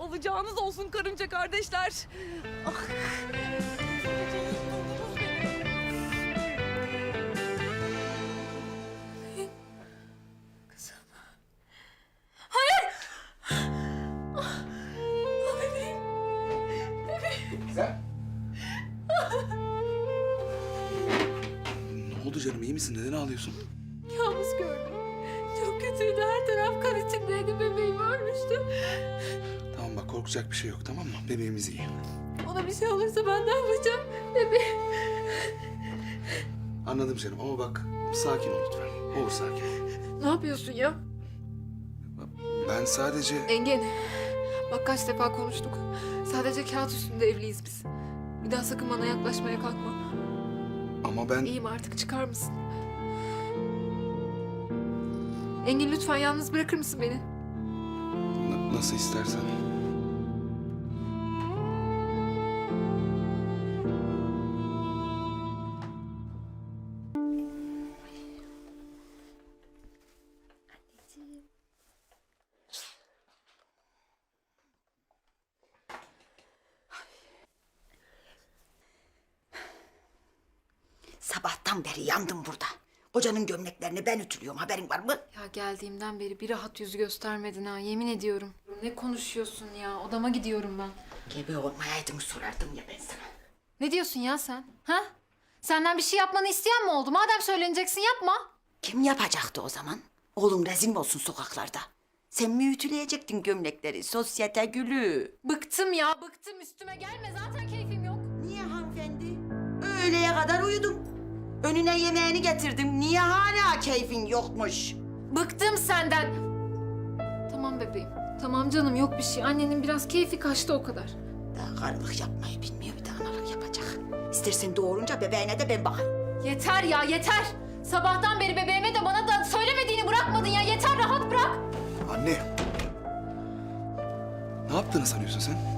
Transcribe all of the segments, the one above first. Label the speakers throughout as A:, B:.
A: Alacağınız olsun karınca kardeşler. Ah. Kızım. Hayır. Ah, bebeğim. Bebeğim.
B: Sen? Ne oldu canım, iyi misin? Neden ağlıyorsun?
A: Kabus gördüm. Çok kötüydü. Her taraf kan içindeydi. Bebeğim ölmüştü.
B: Tamam bak, korkacak bir şey yok, tamam mı? Bebeğimiz iyi.
A: Ona bir şey olursa ben ne yapacağım? Bebeğim.
B: Anladım canım ama bak, sakin ol lütfen. Olur, sakin ol.
A: Ne yapıyorsun ya?
B: Ben sadece...
A: Engin, bak kaç defa konuştuk. Sadece kağıt üstünde evliyiz biz. Bir daha sakın bana yaklaşmaya kalkma.
B: Ama ben...
A: İyiyim artık, çıkar mısın? Engin lütfen yalnız bırakır mısın beni?
B: Nasıl istersen.
C: Sabahtan beri yandım burada. Kocanın gömleklerini ben ütülüyorum, haberin var mı?
A: Ya geldiğimden beri bir rahat yüz göstermedin ha, yemin ediyorum. Ne konuşuyorsun ya? Odama gidiyorum ben.
C: Gebe olmayaydın sorardım ya ben sana.
A: Ne diyorsun ya sen? Ha? Senden bir şey yapmanı isteyen mi oldu? Madem söyleneceksin yapma.
C: Kim yapacaktı o zaman? Oğlum rezil mi olsun sokaklarda? Sen mi ütüleyecektin gömlekleri, sosyete gülü?
A: Bıktım ya, bıktım. Üstüme gelme, zaten keyfim yok.
C: Niye hanımefendi? Öğleye kadar uyudum. Önüne yemeğini getirdim. Niye hala keyfin yokmuş?
A: Bıktım senden. Tamam bebeğim. Tamam canım, yok bir şey. Annenin biraz keyfi kaçtı, o kadar.
C: Daha karılık yapmayı bilmiyor, bir de analık yapacak. İstersen doğurunca bebeğine de ben bakarım.
A: Yeter ya, yeter. Sabahtan beri bebeğime de bana da söylemediğini bırakmadın ya. Yeter, rahat bırak.
B: Anne! Ne yaptığını sanıyorsun sen?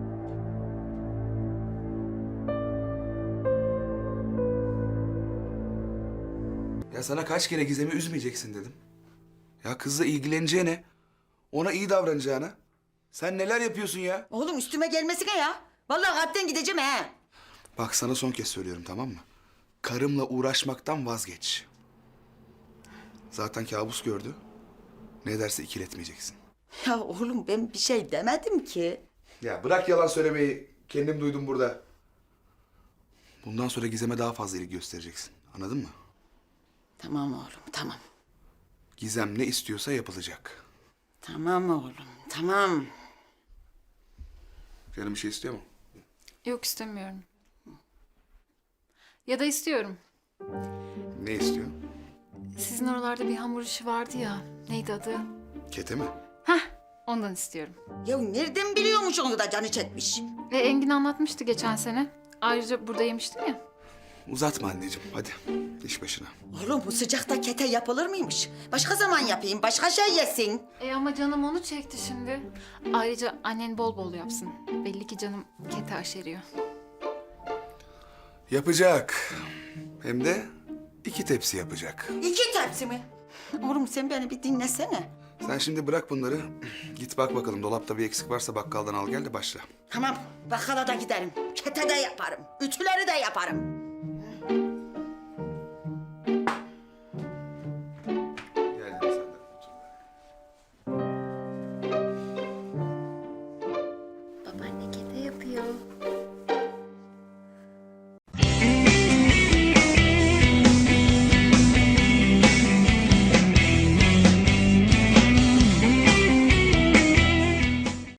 B: Ya sana kaç kere Gizem'i üzmeyeceksin dedim. Ya kızla ilgileneceğine, ona iyi davranacağına. Sen neler yapıyorsun ya?
C: Oğlum üstüme gelmesine ya. Vallahi kalpten gideceğim he.
B: Bak sana son kez söylüyorum, tamam mı? Karımla uğraşmaktan vazgeç. Zaten kabus gördü. Ne derse ikiletmeyeceksin.
C: Ya oğlum ben bir şey demedim ki.
B: Ya bırak yalan söylemeyi. Kendim duydum burada. Bundan sonra Gizem'e daha fazla ilgi göstereceksin. Anladın mı?
C: Tamam oğlum, tamam.
B: Gizem ne istiyorsa yapılacak.
C: Tamam oğlum, tamam.
B: Canım bir şey istiyor mu?
A: Yok, istemiyorum. Ya da istiyorum.
B: Ne istiyor?
A: Sizin oralarda bir hamur işi vardı ya. Neydi adı?
B: Kete mi?
A: Hah, ondan istiyorum.
C: Ya nereden biliyormuş onu da canı çekmiş?
A: Engin anlatmıştı geçen sene. Ayrıca burada yemiştim ya.
B: Uzatma anneciğim. Hadi iş başına.
C: Oğlum bu sıcakta kete yapılır mıymış? Başka zaman yapayım, başka şey yesin.
A: Ama canım onu çekti şimdi. Ayrıca annen bol bol yapsın. Belli ki canım kete aşeriyor.
B: Yapacak. Hem de 2 tepsi yapacak.
C: 2 tepsi mi? Oğlum sen beni bir dinlesene.
B: Sen şimdi bırak bunları. Git bak bakalım, dolapta bir eksik varsa bakkaldan al gel de başla.
C: Tamam, bakkala da giderim. Kete de yaparım, ütüleri de yaparım.
B: Gel sen de otur.
A: Babaanne kete yapıyor.